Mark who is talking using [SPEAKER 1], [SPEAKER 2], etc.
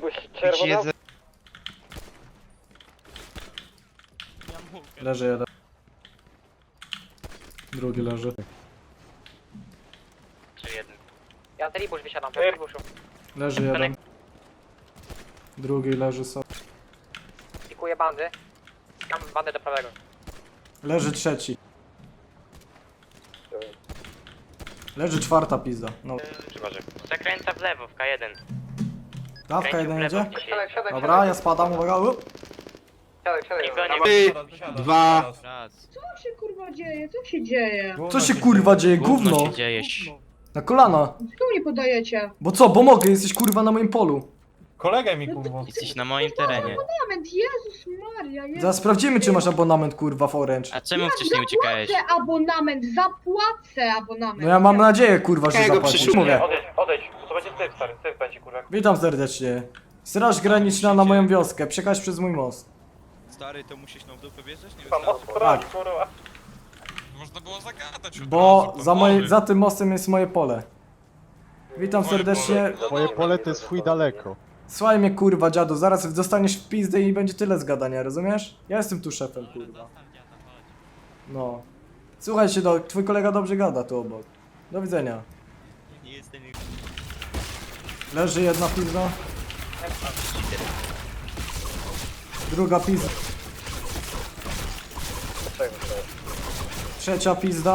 [SPEAKER 1] byłeś czerwona?
[SPEAKER 2] Leży jeden. Drugi leży.
[SPEAKER 1] Ja z Ribusz wysiadam, ja z Ribuszu.
[SPEAKER 2] Leży jeden. Drugi leży sobie.
[SPEAKER 1] Pikuję bandy. Mam bandę do prawego.
[SPEAKER 2] Leży trzeci. Leży czwarta pizda. No.
[SPEAKER 1] Zakręca w lewo, w K1.
[SPEAKER 2] Dawka jeden jedzie?
[SPEAKER 1] Siadaj,
[SPEAKER 2] Dobra, ja spadam, uwaga.
[SPEAKER 1] siadaj.
[SPEAKER 3] 3, 2.
[SPEAKER 4] Co się kurwa dzieje? Co się dzieje?
[SPEAKER 2] Co się kurwa dzieje? Gówno! Na kolana!
[SPEAKER 4] Czemu nie podajecie?
[SPEAKER 2] Bo co, bo mogę, jesteś kurwa na moim polu.
[SPEAKER 5] Kolegę mi kurwa.
[SPEAKER 6] Jesteś na moim terenie.
[SPEAKER 4] Abonament, Jezus Maria, Jezus.
[SPEAKER 2] Zaraz sprawdzimy, czy masz abonament kurwa w Orange.
[SPEAKER 6] A czemu wcześniej uciekałeś?
[SPEAKER 4] Zapłacę abonament, zapłacę abonament.
[SPEAKER 2] No ja mam nadzieję kurwa, że
[SPEAKER 3] Jakiego
[SPEAKER 2] zapłacisz.
[SPEAKER 3] przyszło?
[SPEAKER 2] Mówię.
[SPEAKER 5] Odejdź, to będzie typ stary, typ będzie kurwa.
[SPEAKER 2] Witam serdecznie. Straż graniczna na moją wioskę, przekaż przez mój most.
[SPEAKER 7] Stary, to musisz nam w dupę wjeżdżać? Nie
[SPEAKER 5] Pan
[SPEAKER 7] wystarczy.
[SPEAKER 5] moc broni, kurwa.
[SPEAKER 8] Można było zagadać od
[SPEAKER 2] Bo
[SPEAKER 8] razu,
[SPEAKER 2] za,
[SPEAKER 8] powoli.
[SPEAKER 2] za tym mostem jest moje pole. Witam
[SPEAKER 8] Moje
[SPEAKER 2] serdecznie.
[SPEAKER 8] pole. No
[SPEAKER 9] Twoje
[SPEAKER 8] dobra,
[SPEAKER 9] pole
[SPEAKER 8] to
[SPEAKER 9] to jest
[SPEAKER 8] dobra.
[SPEAKER 9] chuj daleko.
[SPEAKER 2] Słuchaj mnie kurwa dziadu, zaraz dostaniesz w pizdę i będzie tyle z gadania, rozumiesz? Ja jestem tu szefem kurwa. No. Słuchaj się, twój kolega dobrze gada tu obok. Do widzenia.
[SPEAKER 6] Nie jestem...
[SPEAKER 2] Leży jedna pizda. Druga pizda. Trzecia pizda.